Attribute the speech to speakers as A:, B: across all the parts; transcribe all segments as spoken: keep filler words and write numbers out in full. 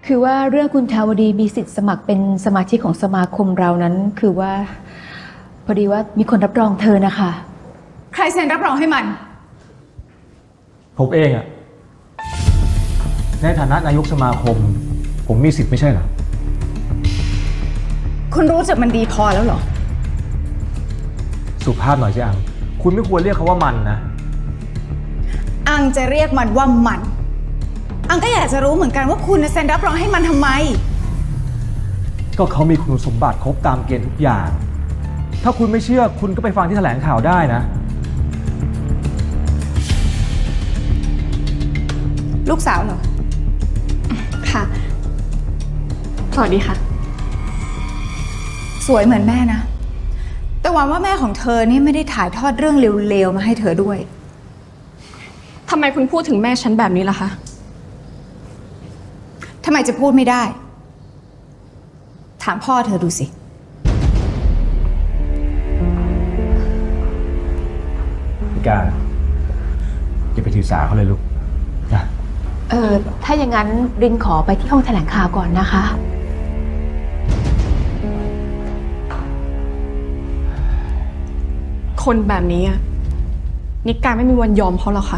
A: คือว่าเรื่องคุณทาวดีมีสิทธิ์สมัครเป็นสมาชิกของสมาคมเรานั้นคือว่าพอดีว่ามีคนรับรองเธอนะคะ
B: ใครเซ็นรับรองให้มัน
C: ผมเองอะในฐานะนายกสมาคม ผมมีสิทธิ์ไม่ใช่เหรอ
B: คุณรู้จักมันดีพอแล้วเหรอ
C: สุภาพหน่อยสิอังคุณไม่ควรเรียกเขาว่ามันนะ
B: อังจะเรียกมันว่ามัน อังก็อยากจะรู้เหมือนกันว่าคุณเซ็นรับรองให้มันทำไม
C: ก็เขามีคุณสมบัติครบตามเกณฑ์ทุกอย่าง ถ้าคุณไม่เชื่อคุณก็ไปฟังที่แถลงข่าวได้นะ
B: ลูกสาวเหรอ
D: ค่ะ สวัสดีค่ะ
B: สวยเหมือนแม่นะ แต่หวังว่าแม่ของเธอนี่ไม่ได้ถ่ายทอดเรื่องเลวๆมาให้เธอด้วย
D: ทำไมคุณพูดถึงแม่ฉันแบบนี้ล่ะคะ
B: ทำไมจะพูดไม่ได้ ถามพ่อเธอดูสิ
C: พี่การอย่าไปถือสาเขาเลยลูกนะ
A: เออถ้าอย่างนั้นรินขอไปที่ห้องแถลงข่าวก่อนนะคะ
D: คนแบบนี้อะนิการไม่มีวันยอมเขาหรอกค่ะ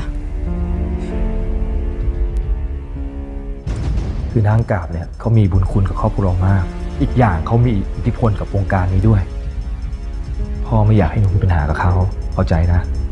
C: คือนางกาบเนี่ยเขามีบุญคุณกับครอบครัวเรามาก อีกอย่างเขามีอิทธิพลกับวงการนี้ด้วย พ่อไม่อยากให้หนูมีปัญหากับเขาเข้าใจนะ